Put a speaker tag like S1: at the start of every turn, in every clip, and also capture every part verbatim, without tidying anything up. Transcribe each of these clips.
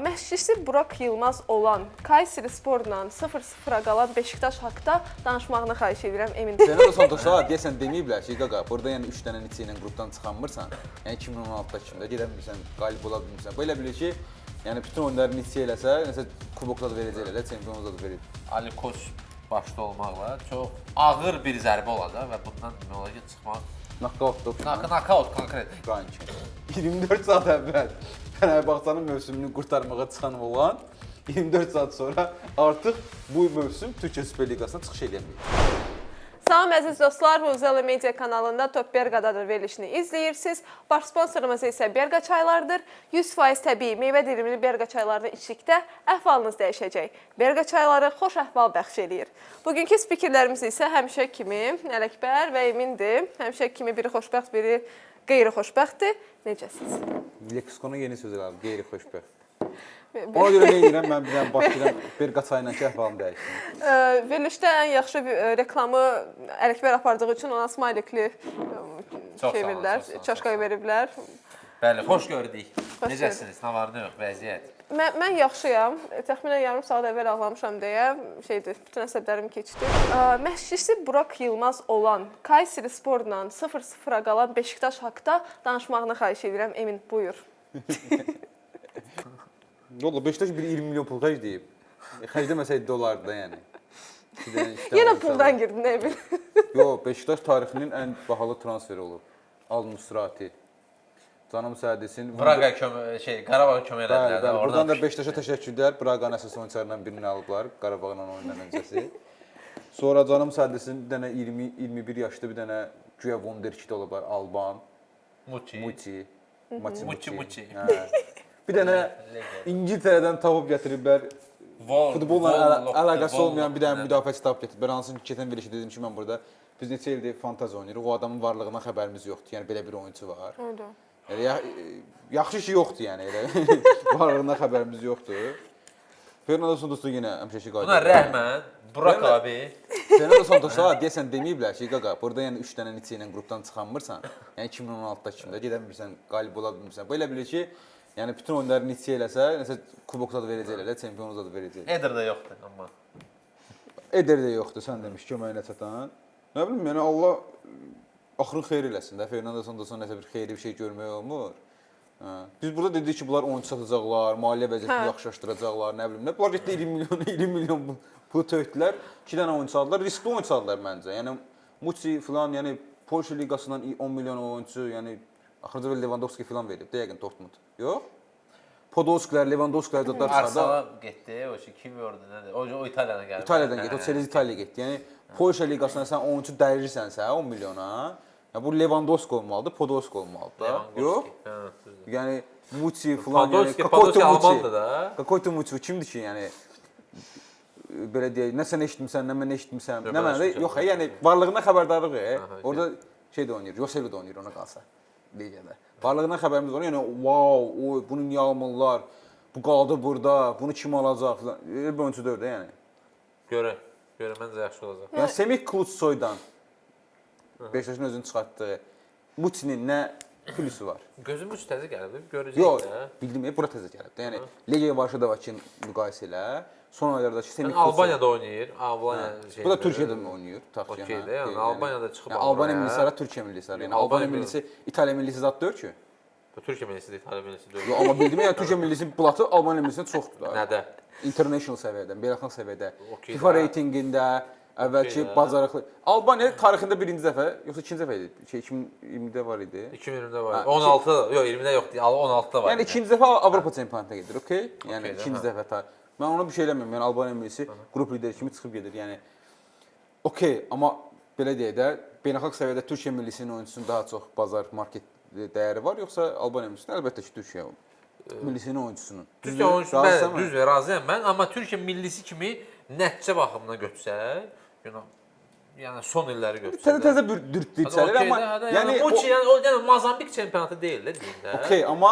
S1: Məşqçisi Burak Yılmaz olan Kayseri Sporla sıfır sıfıra qalan Beşiktaş haqda danışmağını xahiş edirəm Emin.
S2: Fernando Santos'a deyəsən deməyiblər ki, qaqa, burada yəni üç dənə neçə ilə qrupdan çıxanmırsan. Yəni iki min on altıda kimdə gedə bilmirsən, qalib ola bilmirsən. Belə bilir ki, yəni bütün oyunları neçə eləsə, nəsə kubokda da verəcəklər, çempionluqda da verəcək.
S3: Ali Koç başda olmaqla çox ağır bir zərbə olacaq və bundan demək olar ki, çıxmaq
S2: Knockout.
S3: Knockout konkret.
S2: Qanki. iyirmi dörd saat əvvəl Fənərbağçanın mövsümünü qurtarmağa çıxan olan iyirmi dörd saat sonra artıq bu mövsüm Türkiyə Süper Liqasına çıxış edəməyəcək.
S1: Salam əziz dostlar, Vuzela Media kanalında Top Berqadadır verilişini izləyirsiniz. Baş sponsorumuz isə Berqa çaylarıdır. yüz faiz təbii meyvə dilimli Berqa çaylarını içdikdə əhvalınız dəyişəcək. Berqa çayları xoş əhval bəxş eləyir. Bugünkü spikerlərimiz isə həmişə kimi Ələkbər və Emindir. Həmişə kimi biri xoşbəxt, biri qeyri-xoşbəxtdir. Necəsiniz?
S2: Leksikona yeni söz qaldı, qeyri-xoşbəxt. Ona görə nə edirəm, mən bir dənə başlayıram Berqa çayla ki, əhvalımı dəyişdim.
S1: Verilişdə ən yaxşı reklamı Ələkbər apardığı üçün ona smaylikli şey verirlər, çaşka veriblər.
S3: Bəli, xoş gördük. Necəsiniz? Nə var, nə yox, vəziyyət?
S1: Mən, mən yaxşıyam. Təxminən yarım saat əvvəl ağlamışam deyə şeydir, bütün əsəblərim keçdi. Məşqçisi Burak Yılmaz olan Kayseri Sporla sıfır sıfıra qalan Beşiktaş haqda danışmağını xahiş edirəm. Emin, buyur.
S2: Yolla, Beşiktaş bir iyirmi milyon pul xərcləyib. Xərcləməsəydi dolardı da, yəni.
S1: Yenə puldan girdin, nə bil?
S2: Yox, Beşiktaş tarixinin ən bahalı transferi olub. Al-Nusrati. Canım səhədəsin.
S3: Braqa şey, Qarabağ kömək elədilər.
S2: Bəli, buradan da Beşiktaşa təşəkkürlər. Braqanın əsas oyunçularından birini alıblar, Qarabağla oyundan öncəsi. Sonra canım səhədəsin bir dənə iyirmi iyirmi bir yaşlı bir dənə güya Wonderkid olublar, Alban.
S3: Muçi.
S2: Muçi.
S3: Muçi, Muçi.
S2: Bir dənə İngiltərədən tapıb gətiriblər. Futbolla əlaqəsi olmayan bir dənə müdafiəçi tapıb gətiriblər. Hansı ki, keçən verilişdə dedim ki, mən burada biz neçə ildir fantaziya oynayırıq. O adamın varlığından xəbərimiz yoxdur. Yəni belə bir oyunçu var. Yəni yaxşı şey yoxdur, yəni elə. Varlığından xəbərimiz yoxdur. Fernando Santos'u yenə həmişəki qayda.
S3: Buna rəhmən Burak abi.
S2: Fernando Santos'a deyəsən deməyiblər ki, qaqa, burada yəni üç dənə neçə ilə qrupdan çıxanmırsan. Yəni iki min on altıda kimdə gedə bilmirsən, qalib ola bilmirsən. Belə bilir ki, yəni bütün oyunları neçə eləsə, nəsə kubokda da verəcəklər, çempionluqda da verəcəklər.
S3: Eder də yoxdur amma.
S2: Eder də yoxdur, sən demiş köməyinə çatan. Nə bilim, yəni Allah axırın xeyir eləsin də. Fernando Santos'a nəsə bir xeyirli bir şey görmək olmur. Biz burada dedik ki, bunlar oyuncu satacaqlar, maliyyə vəziyyətini yaxşılaşdıracaqlar, nə bilim nə. Bunlar getdi iyirmi milyon, iyirmi milyon pul tökdülər. iki dənə oyuncu aldılar, riskli oyuncu aldılar məncə. Yəni Muçi filan, yəni Polşa liqasından on milyon oyuncu, yəni axırıncı və Lewandowski filan verib də yəqin Dortmund. Yox? Podolskilər, Lewandowskilər da çıxardı.
S3: Arsenal getdi, o şey kim gördü nədir? O o İtaliyadan gəldi.
S2: İtaliyadan getdi, o Chelsea İtaliyaya getdi. Yəni Polşa liqasına sən oyuncu dərirsənsə on milyona, ya bu Lewandowski olmalıdır, Podolski olmalıdır da. Yox? Yəni Muçi filan, yəni
S3: Podolski Almandır da.
S2: Kakoyto Muçi kimdir ki, yəni belə deyək, nə sən eşitmisən, nə mən eşitmisəm, nə mənə yox, yəni varlığından xəbərdarlıq. Orada şey də oynayır, Joselu da oynayır ona qalsa. Ligədə. Varlığından xəbərimiz var. Yəni wow, o bunu niyə almırlar? Bu qaldı burada, bunu kim alacaq filan. Bir oyunçu deyil də yəni.
S3: Görə, görə məncə yaxşı olacaq.
S2: Yəni Semih Klutsoydan Beşiktaşın özünü çıxartdığı Muçinin nə pülüsü var?
S3: Gözüm üç təzə gəlib, görəcəyik
S2: Yox,
S3: də.
S2: bildim, bura təzə gəlib də. Yəni Legia Varşavadakı müqayisə ilə son aylardakı Semih
S3: Klutsoy Albaniyada oynayır. Albaniya şey.
S2: Bu da Türkiyədə oynayır, taxıl.
S3: Okey də, yəni Albaniyada çıxıb
S2: alır. Albaniya millisi ara Türkiyə millisi ara. Yəni Albaniya millisi İtaliya millisi zad deyil ki.
S3: Bu Türkiyə millisi deyil, İtaliya millisi deyil.
S2: Yox, amma bildim yəni Türkiyə millisinin blatı Albaniya millisindən çoxdur da.
S3: Nədə?
S2: International səviyyədə, beynəlxalq səviyyədə, FIFA reytinqində, əvvəlki bacarıqlı. Albaniya tarixində birinci dəfə, yoxsa ikinci dəfə idi? Şey iki min iyirmidə var idi.
S3: iki min iyirmidə var. on altıda, yox iyirmidə yoxdur, on altıda var.
S2: Yəni ikinci dəfə Avropa çempionatına gedir, okey? Yəni ikinci dəfə tarix. Mən ona bir şey eləmirəm. Yəni Albaniya millisi qrup lideri kimi çıxıb gedir. Yəni okey, amma belə deyək də, beynəlxalq səviyyədə Türkiyə millisinin oyunçusunun daha çox bazar market dəyəri var, yoxsa Albaniya millisinin? Əlbəttə ki, Türkiyə millisinin oyunçusunun.
S3: Türkiyə oyunçusu bəli, düz və razıyam mən, amma Türkiyə millisi kimi nəticə baxımından götürsək, yəni son illəri götürsək.
S2: Təzə-təzə dürtdü içəlir, amma
S3: yəni o yəni Mozambik çempionatı deyil də deyim də.
S2: Okey, amma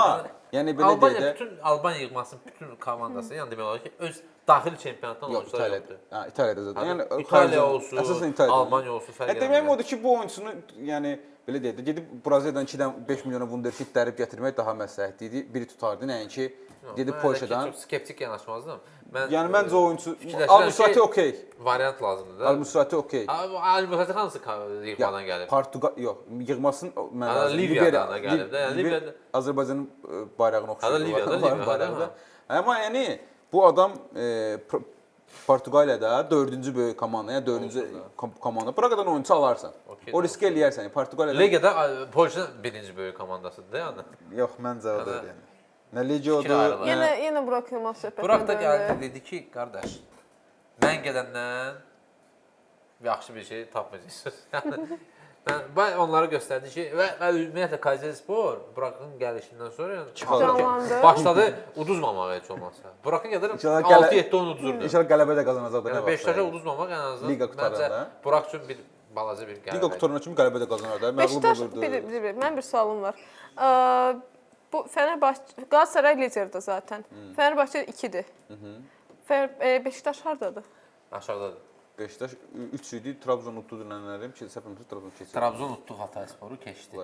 S2: Yəni belə
S3: Albaniya
S2: deyə də
S3: bütün Albaniya yığmasının bütün komandası, yəni demək olar ki, öz daxili çempionatdan
S2: yox,
S3: oyunçular
S2: İtaliyada.
S3: yoxdur.
S2: Ha, İtaliyada zaten.
S3: Yəni,
S2: Yəni
S3: İtaliya
S2: xarici-
S3: olsun,
S2: əsasən İtaliyada.
S3: Almaniya olsun, fərq
S2: Yəni deməyim odur ki, bu oyunçunu, yəni belə deyək də, gedib Braziliyadan ikidən beş milyona wunderkid dərib gətirmək daha məsləhətli idi. Biri tutardı, nəinki gedib
S3: Mən
S2: Polşadan.
S3: çox skeptik yanaşmazdım. Mən
S2: Yəni məncə o oyunçu
S3: fikirləşirəm
S2: Al-Musrati
S3: ki,
S2: okey.
S3: variant lazımdır da.
S2: Al-Musrati okey.
S3: Al-Musrati hansı yığmadan gəlib?
S2: Portuqal yox, yığmasın mən
S3: Ha,
S2: lazım.
S3: Liviyadan da gəlib də, yəni
S2: Liviya-
S3: Liviyada-
S2: Azərbaycanın e, bayrağına oxşayır.
S3: Ha, da Liviyada, Liviyada,
S2: bayrağında.
S3: ha.
S2: Amma yəni bu adam e, Pr- Portuqaliyada dördüncü böyük komanda, yəni dördüncü
S3: Olsun da.
S2: kom- komanda. Praqadan oyunçu alarsan.
S3: Okey,
S2: O risk eləyərsən. Portuqaliyada
S3: Legiyada Polşa birinci böyük komandasıdır yəni.
S2: yox, məncə o da
S3: Yəni-
S2: yəni. Nə Legiodur.
S3: Fikir ayrılığı.
S1: Yenə
S2: nə-
S1: yenə Burak Yılmaz söhbətinə
S3: Burak da
S1: döndü.
S3: gəldi dedi ki, qardaş, mən gedəndən yaxşı bir şey tapmayacaqsınız. Yəni mən mən onlara göstərdi ki, və, və ümumiyyətlə Kayserispor Burakın gəlişindən sonra yəni
S1: Canlandı.
S3: başladı uduzmamağa heç olmazsa. Burakın gəlir
S2: İnşallah gələ-
S3: altı yeddi oyun uduzurdu.
S2: İnşallah qələbə də qazanacaqlar.
S3: Yəni Beşiktaşa uduzmamaq ən azından
S2: Liqa qutaranda.
S3: məncə Burak üçün bir balaca bir qələbə.
S2: Liqa qutarına kimi qələbə də qazanır da. Məğlub
S1: Beşiktaş
S2: olurdu.
S1: bir, bir, bir, mən bir sualım var. Ə, bu Fenerbahçe Galatasaray liderdir zaten. Fenerbahçe ikidir. Fer, e, Beşiktaş hardadır?
S3: Aşağıdadır.
S2: Beşiktaş üç idi, Trabzon utdu dünənlərim ki, səhvimizə Trabzon keçir.
S3: Trabzon utdu Hataysporu keçdi.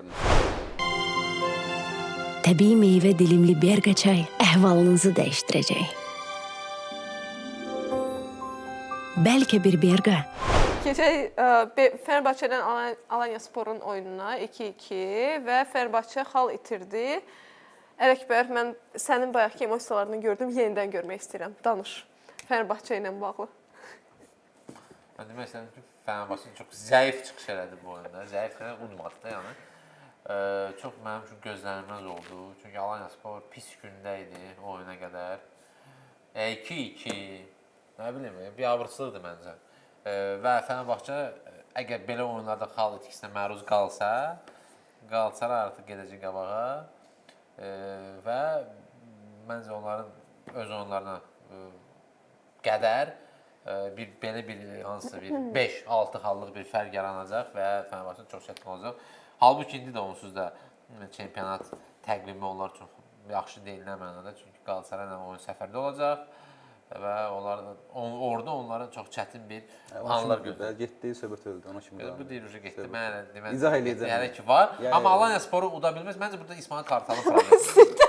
S4: Təbii meyvə dilimli Berqa çay əhvalınızı dəyişdirəcək. Bəlkə bir Berqa
S1: Keçək ə, Be- Fenerbahçe'dən Alan- Alanyasporun oyununa iki iki və Fenerbahçe xal itirdi. Ələkbər, mən sənin bayaqki emosiyalarını gördüm, yenidən görmək istəyirəm. Danış. Fenerbahçe ilə bağlı.
S3: Mən demək istəyirəm ki, Fenerbahçe çox zəif çıxış elədi bu oyunda. Zəifləri unutmadı da, yəni. E, çox mənim üçün gözlənilməz oldu. Çünki Alanyaspor pis gündə idi o oyuna qədər. iki iki, nə bilim, bir abırsızlıqdır məncə. E, və Fenerbahçe əgər belə oyunlarda xal itkisinə məruz qalsa, Galatasaray artıq gedəcək qabağa. E, və məncə onların öz oyunlarına e, qədər e, bir belə bir hansısa bir beş altı xallıq bir fərq yaranacaq və Fenerbahçe çox çətin olacaq. Halbuki indi də onsuz da çempionat təqvimi onlar çox yaxşı deyil nə mənada, çünki Galatasaray ilə oyun səfərdə olacaq və onlar on, orada onlara çox çətin bir anlar gözləyir.
S2: Getdi, söhbət öldü, ona kimi.
S3: Bu deyir getdi. Mən demək
S2: İzah eləyəcəm.
S3: Yəni ki var,
S2: Yəni-
S3: amma Alanyasporu uda bilməz. Məncə burada İsmail Kartalın problemi.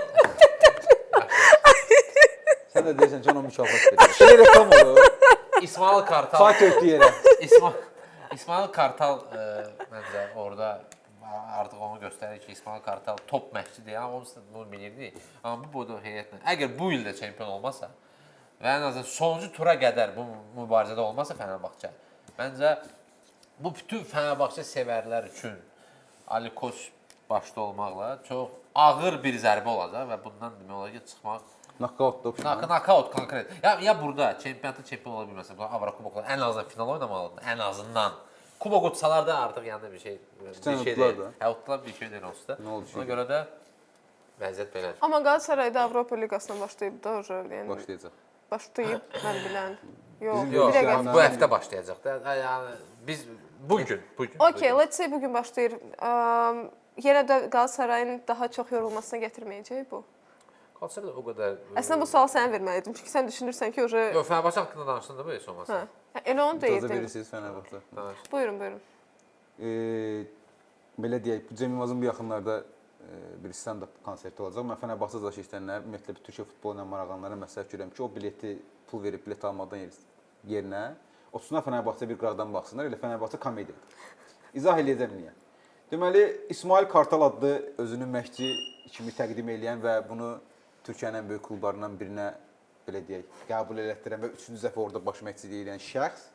S2: Sən də deyirsən ki, ona mükafat verir. Belə reklam olur.
S3: İsmail Kartal
S2: Saat ötdü yerə.
S3: İsmail İsmail Kartal e, məncə orada artıq onu göstərir ki, İsmail Kartal top məşqçi deyil, amma onu bunu bilirdi. Amma bu boyda heyətlə, əgər bu il də çempion olmasa və ən azından sonuncu tura qədər bu mübarizədə olmasa Fenerbahçe, məncə bu bütün Fenerbahçe sevərlər üçün Ali Koç başda olmaqla çox ağır bir zərbə olacaq və bundan demək olar ki, çıxmaq
S2: Knockout da
S3: Nak knockout konkret. Ya ya burada çempionatda çempion ola bilməsə, bu Avrokuboklar ən azından final oynamalıdır. Ən azından. Kubok utsalar da artıq yəni bir şey bir
S2: Sən
S3: şey
S2: utdular
S3: deyil.
S2: da.
S3: Hə, utdular bir şey deyil onsuz da.
S2: Nə oldu
S3: Ona
S2: şimdi?
S3: görə də vəziyyət belədir.
S1: Amma Galatasaray da Avropa Liqasına başlayıb da uje, yəni
S2: Başlayacaq.
S1: başlayıb mən bilən. Yox,
S2: Bizim
S1: bir
S3: Yox,
S1: dəqiqə.
S2: yəni-
S3: bu həftə başlayacaq da. Yəni biz bu gün, bu gün.
S1: Okay, let's say bugün başlayır. Um, yenə də Galatasarayın daha çox yorulmasına gətirməyəcək bu.
S3: Qalsa da o qədər.
S1: Əslində bu sual sənə verməliydim. Çünki sən düşünürsən ki, uje
S3: Yox, Fenerbahçe haqqında danışsan da bu heç
S1: hə.
S3: olmasa.
S1: Elə onu
S2: İcazə
S1: deyirdin.
S2: verirsiniz Fenerbahçe.
S3: Danış.
S1: Buyurun, buyurun.
S2: Ee, belə deyək, bu Cem Yılmazın bu yaxınlarda e, bir stand-up konserti olacaq. Mən Fenerbahçe daşı istəyənlər, ümumiyyətlə bir Türkiyə futbolu ilə maraqlananlara məsləhət görürəm ki, o bileti pul verib bilet almadan yerinə otursunlar Fenerbahçe bir qıraqdan baxsınlar, elə Fenerbahçe komediyadır. İzah eləyəcəm niyə. Deməli, İsmail Kartal adlı özünü məşqçi kimi təqdim edən və bunu Türkiyənin ən böyük klublarından birinə belə deyək, qəbul elətdirən və üçüncü dəfə orada baş məşqçilik edən şəxs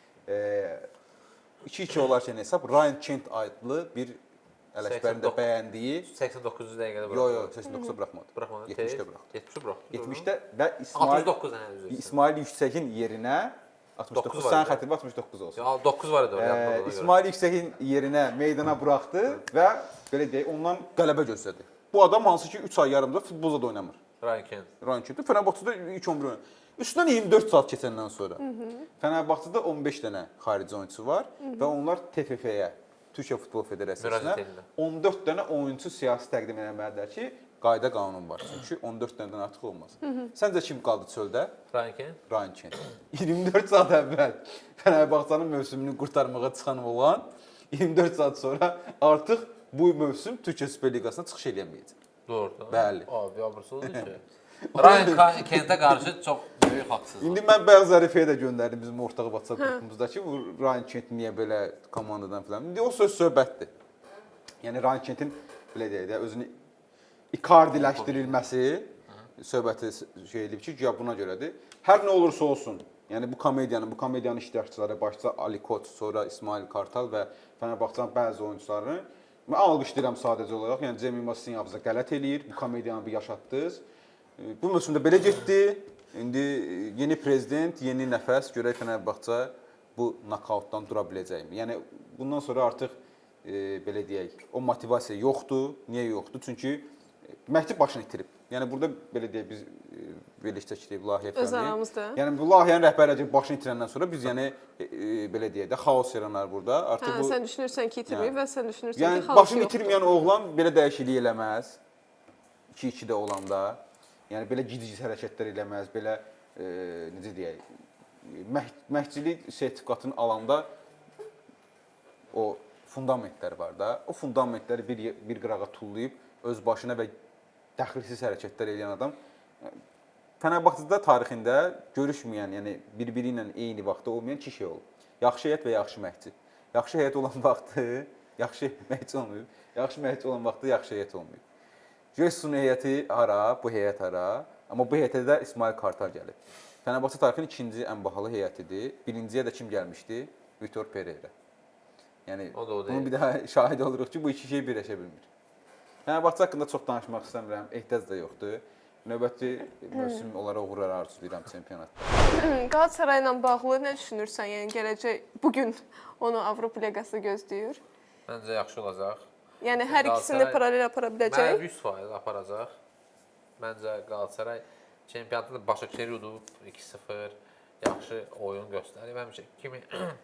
S2: iki iki olarkən hesab Ryan Kent adlı bir Ələkbərin də bəyəndiyi
S3: səksən doqquzuncu dəqiqədə buraxdı.
S2: Yox, yox, səksən doqquza buraxmadı.
S3: Buraxmadı.
S2: yetmişdə buraxdı.
S3: yetmişdə buraxdı.
S2: yetmişdə və İsmail
S3: altmış doqquz dənə üzr.
S2: İsmail Yüksəkin yerinə altmış doqquz
S3: doqquz var
S2: sənin
S3: idi.
S2: xətrin altmış doqquz olsun.
S3: Ya doqquz var idi orada. yadımda
S2: Ee,
S3: ona görə.
S2: İsmail Yüksəkin yerinə meydana buraxdı və belə deyək, ondan qələbə gözlədi. Bu adam hansı ki üç ay yarımda futbolda da oynamır.
S3: Ryan Kent.
S2: Ryan Kent Fenerbahçe'də ilk on bir oyun. Üstündən iyirmi dörd saat keçəndən sonra Fenerbahçe'də on beş dənə xarici oyunçusu var və onlar T F F-yə Türkiyə Futbol Federasiyasına
S3: Müraciət edirlər.
S2: on dörd dənə oyunçu siyasi təqdim etməlidirlər ki, qayda qanun var. Çünki on dörd dənədən artıq olmaz. Səncə kim qaldı çöldə?
S3: Rankin.
S2: Ryan Kent. iyirmi dörd saat əvvəl Fənərbağçanın mövsümünü qurtarmağa çıxan olan iyirmi dörd saat sonra artıq bu mövsüm Türkiyə Süper Liqasına çıxış eləməyəcək.
S3: Doğrudur.
S2: Bəli.
S3: Abi, abırsızdır ki. Ryan Kentə qarşı çox böyük haqsızlıq.
S2: İndi mən bəzi Zərifəyə də göndərdim bizim ortaq WhatsApp qrupumuzda ki, bu Ryan Kent niyə belə komandadan filan. İndi o söz söhbətdir. Yəni Ryan Kentin belə deyək də özünü ikardiləşdirilməsi söhbəti şey edib ki, ya buna görədir. Hər nə olursa olsun, yəni bu komediyanın, bu komediyanın iştirakçıları başda Ali Koç, sonra İsmail Kartal və Fənərbağçanın bəzi oyunçularını mən alqışlayıram sadəcə olaraq. Yəni Cem Yılmaz sizin yanınızda qələt eləyir. Bu komediyanı bir yaşatdınız. Bu mövsümdə belə getdi. İndi yeni prezident, yeni nəfəs görək Fənərbağça bu nokautdan dura biləcəkmi? Yəni bundan sonra artıq e, belə deyək, o motivasiya yoxdur. Niyə yoxdur? Çünki Məhdi başını itirib. Yəni burada belə deyək biz verilişdə çəkdik layihə
S1: Öz aramızda.
S2: Yəni bu layihənin rəhbərliyi başını itirəndən sonra biz yəni e, e, belə deyək də xaos yaranar burada. Artıq
S1: Hə,
S2: bu
S1: sən düşünürsən ki, itirməyib və sən düşünürsən
S2: yəni
S1: ki, xaos
S2: başını
S1: yoxdur.
S2: itirməyən oğlan belə dəyişiklik eləməz. iki ikidə olanda. Yəni belə gic-gic hərəkətlər eləməz, belə e, necə deyək, məh məhdçilik sertifikatını alanda o fundamentlər var da. O fundamentləri bir bir qırağa tullayıb öz başına və dəxilsiz hərəkətlər edən adam Fənərbağçada tarixində görüşməyən, yəni bir-biri ilə eyni vaxtda olmayan iki şey olub. Yaxşı heyət və yaxşı məhdçi. Yaxşı heyət olan vaxtı yaxşı məhdçi olmayıb. Yaxşı məhdçi olan vaxtı yaxşı heyət olmayıb. Jeyson heyəti hara, bu heyət hara, amma bu heyətə də İsmail Kartal gəlib. Fənərbağçı tarixinin ikinci ən bahalı heyətidir. Birinciyə də kim gəlmişdi? Vitor Pereira. Yəni
S3: O da o
S2: bunun
S3: deyil.
S2: bir daha şahid oluruq ki, bu iki şey birləşə bilmir. Fənərbağçı haqqında çox danışmaq istəmirəm, ehtiyac da yoxdur. Növbəti mövsüm olaraq uğurlar arzulayıram çempionatda.
S1: Qalatasaray ilə bağlı nə düşünürsən? Yəni gələcək bu gün onu Avropa Liqası gözləyir.
S3: Məncə yaxşı olacaq.
S1: Yəni hər ikisini
S3: Qalatasaray-
S1: paralel apara biləcək.
S3: Mən yüz faiz aparacaq. Məncə Qalatasaray çempionatda Başakşehir udub iki sıfır yaxşı oyun göstərib. Həmişə kimi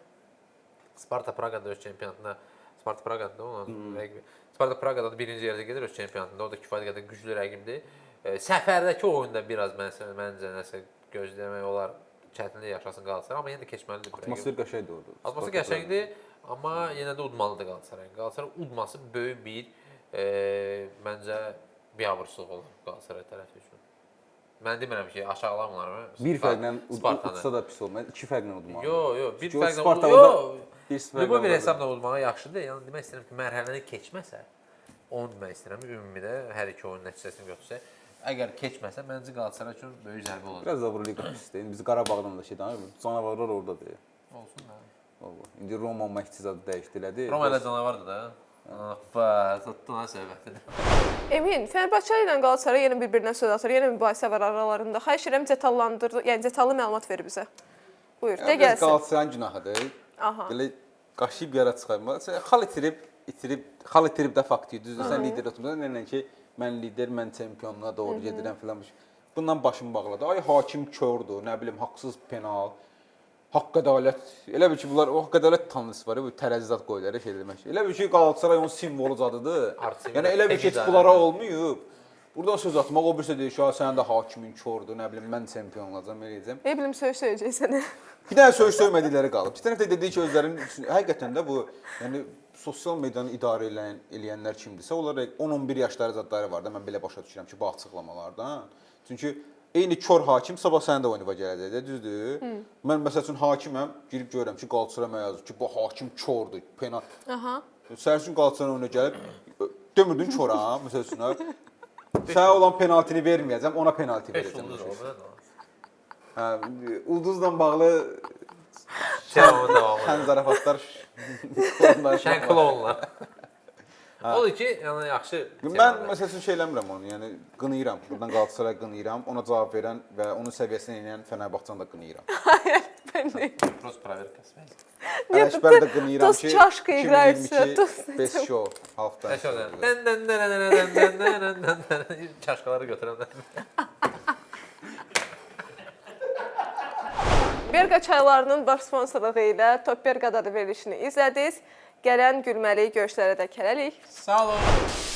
S3: Sparta Praqada öz çempionatında Sparta Praqada onun rəqibi. Sparta Praqada da birinci yerdə gedir öz çempionatında. O da kifayət qədər güclü rəqibdir. E, səfərdəki oyunda biraz məncə məncə nəsə gözləmək olar. Çətinlik yaşasın Qalatasaray, amma yenə də keçməlidir. bu rəqib.
S2: Atmosfer qəşəngdir orada.
S3: Atmosfer qəşəngdir, amma yenə də udmalıdır Qalatasaray. Qalatasaray udması böyük bir e, məncə biabırçılıq olur Qalatasaray tərəfi üçün. Mən demirəm ki, aşağılamırlar mı?
S2: Bir fərqlə
S3: Spartanı.
S2: udsa da pis olmaz. İki fərqlə udmalı.
S3: Yo, yo, bir
S2: Çünki o
S3: fərqlə
S2: Sparta
S3: udmalı.
S2: orada bir sıfır
S3: Yo, bu bir
S2: qaldı.
S3: hesabla udmağa yaxşıdır. Yəni demək istəyirəm ki, mərhələni keçməsə, onu demək istəyirəm. Ümumidə hər iki oyun nəticəsini götürsək, əgər keçməsə, məncə Qalatasaray üçün böyük zərbə olacaq.
S2: Biraz da Avropa pisdir. İndi biz Qarabağdan da şey danışırıq. Canavarlar oradadır.
S3: Olsun da.
S2: Vallahi. İndi Roma məhdçi zadı dəyişdilədi.
S3: Roma ilə canavardır da. Bax, tutdun ha söhbətini.
S1: Emin, Fenerbahçe ilə Qalatasaray yenə bir-birinə söz atır. Yenə mübahisə var aralarında. Xahiş edirəm detallandır, yəni detallı məlumat ver bizə. Buyur, de
S2: Yəni,
S1: gəlsin.
S2: Qalatasarayın günahıdır.
S1: Aha.
S2: Belə qaşıyıb yara çıxarmaq. Sən xal itirib, itirib, xal itirib də faktdır. Düzdür, sən lider oturmusan, nə ki, mən lider, mən çempionluğa doğru gedirəm filan. Bundan başım bağladı. Ay hakim kördür, nə bilim, haqsız penal, haqq ədalət. Elə bil ki, bunlar o haqq ədalət tanrısı var, bu tərəzizat qoyular şey demək. Elə bil ki, Qalatasaray onun simvolu zadıdır.
S3: Artı
S2: Yəni elə bil ki, heç bunlara olmayıb. Buradan söz atmaq o birisi deyir ki, sənin də hakimin kördür, nə bilim, mən çempion olacağam, elə edəcəm.
S1: Ne bilim söz söyləyəcəksən.
S2: Bir dənə söz söymədikləri qalıb. Bir tərəfdə dediyi ki, özlərinin həqiqətən də bu, yəni sosial medianı idarə edən eləyənlər kimdirsə, onlar on on bir yaşları zadları var da, mən belə başa düşürəm ki, bu açıqlamalardan. Çünki eyni kör hakim sabah sənin də oyununa gələcək də, düzdür? Hı. Mən məsəl üçün hakiməm, girib görürəm ki, Qalatasaray mənə yazır ki, bu hakim kördür, penal.
S1: Aha.
S2: Sənin üçün Qalatasaray oyuna gəlib dömürdün köra, məsəl üçün. Sənə olan penaltini verməyəcəm, ona penalti verəcəm. Hə, ulduzla bağlı
S3: Devamı devamı.
S2: sən zarafatlar
S3: Şən klonlar. Odur ki, yəni yaxşı.
S2: Mən məsəl üçün şey eləmirəm onu, yəni qınayıram. Buradan Qalatasaray qınayıram, ona cavab verən və onun səviyyəsinə enən Fənərbağçanı da qınayıram.
S3: Prost проверка.
S2: Ələkbər də qınayıram
S1: Dost
S2: ki,
S1: çaşkı играется, dost.
S2: Best show halfdan.
S3: Dən dən dən dən dən dən dən dən dən çaşkaları götürənlər.
S1: Berqa çaylarının baş sponsorluğu ilə Top Berqada da verilişini izlədiniz. Gələn gülməli görüşlərə də hələlik.
S3: Sağ olun.